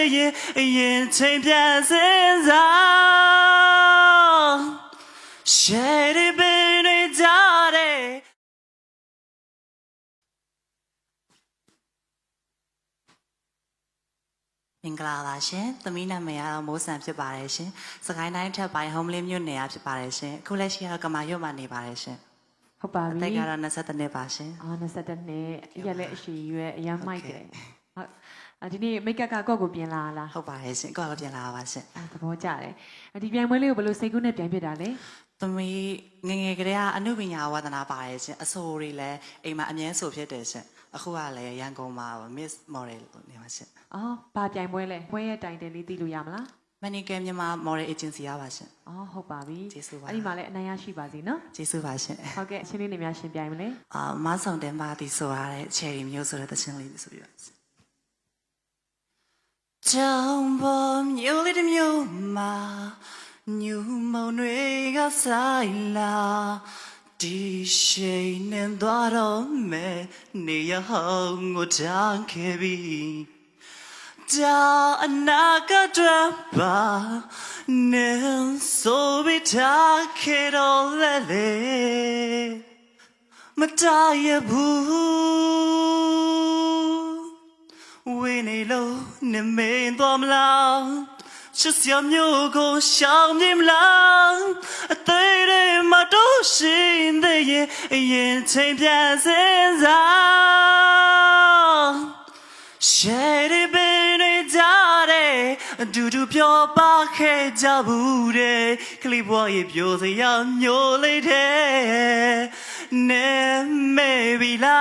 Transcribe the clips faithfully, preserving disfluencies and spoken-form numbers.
ရင်ရင်ချိန်ပြန်စင်စား Share it baby daddy မင်္ဂလာပါရှင်သမီးနာမည်ကတော့မိုးဆန်ဖြစ်ပါတယ်ရှင်စကိုင်းတိုင်းထက်ပိုင်း home လေးမြို့နယ်ဖြစ်ပါတယ်ရှင်အခုလက်ရှိကတော့ကမာရွတ်မှာနေပါတယ်ရှင်ဟုတ်ပါပြီအသက်ကတော့နှစ်နှစ်ပါရှင်အာနှစ်နှစ်အရက်လည်းအရှိရွယ်အရမ်းမိုက်တယ်ဟုတ်ဒီနေ့မိတ်ကပ်ကကော့ကိုပြင်လာလားဟုတ်ပါတယ်ရှင်ကော့ကိုပြင်လာပါရှင်အဲသဘောကျတယ်ဒီပြိုင်ပွဲလေးကိုဘယ်လိုစိတ်ကူးနဲ့ပြိုင်ဖြစ်တာလဲသမီးငငယ်ကလေးကအနုပညာဝါသနာပါတယ်ရှင်အဆိုတွေလည်းအိမ်မှာအမြဲဆိုဖြစ်တယ်ရှင်အခုကလည်းရန်ကုန်မှာ Miss Model နေပါရှင်အော်ဘာပြိုင်ပွဲလဲပွဲရဲ့တိုင်တယ်လေးသိလို့ရမလားမနီကဲမြန်မာ Model Agency ရပါရှင်အော်ဟုတ်ပါပြီကျေးဇူးပါအဲ့ဒီမှာလည်းအနိုင်ရရှိပါစေနော်ကျေးဇူးပါရှင်ဟုတ်ကဲ့အချင်းလေးတွေများရှင်ပြိုင်မလဲအာမဆောင်တင်ပါတီဆိုရတဲ့ Cherry မျိုးဆိုတဲ့သချင်းလေးဆိုပြီးပါကြောင်ပေါ်မျိုးလေးတစ်မျိုးမှာညူမုံတွေကဆိုင်လာဒီရှိန်နဲ့သွားတော့မယ်နေရဟောင်းကိုတန်းခဲ့ပြီဒါအနာကတည်းပါနေဆိုပြီးထားခဲ့တော့လေလေမတရဘူးဝင်းနေလို့နေမင်းတော်မလားချစ်စရာမျိုးကိုရှောင်မြင်မလားအသေးတွေမတော့ရှိသေးရင်အရင်ချိန်ပြန်စင်စား Share it baby daddy အတူတူပြောပါခဲ့ကြဘူးတဲ့ကလေးဘွားရဲ့ပြောစရာမျိုးလေးတဲ့နေမေဘီလာ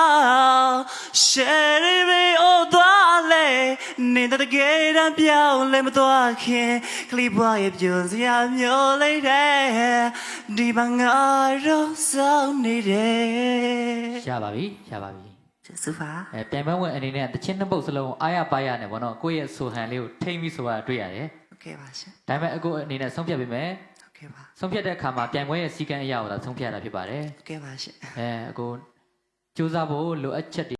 Share it baby oh သွားလေနေတဲ့ကဲတမ်းပြောင်းလဲမသွားခင်ကလေးဘွားရဲ့ပြောစရာမျိုးလေးတဲ့ဒီဘငါတော့စောင်းနေတယ်ရပါပြီရပါပြီကျေးဇူးပါအဲပြန်ပွဲဝင်အနေနဲ့တချင်းနှစ်ပုတ်စလုံးအားရပါရနဲ့ဗောနော်ကိုယ့်ရဲ့ဆိုဟန်လေးကိုထိမ့်ပြီးဆိုတာတွေ့ရတယ်ဟုတ်ကဲ့ပါရှင်ဒါပေမဲ့အခုအနေနဲ့ဆုံးဖြတ်ပေးမယ်ဟုတ်ကဲ့ပါဆုံးဖြတ်တဲ့အခါမှာပြန်ပွဲရဲ့စီကံအရာကိုသာဆုံးဖြတ်ရတာဖြစ်ပါတယ်ဟုတ်ကဲ့ပါရှင်အဲအခုစူးစမ်းဖို့လိုအပ်ချက်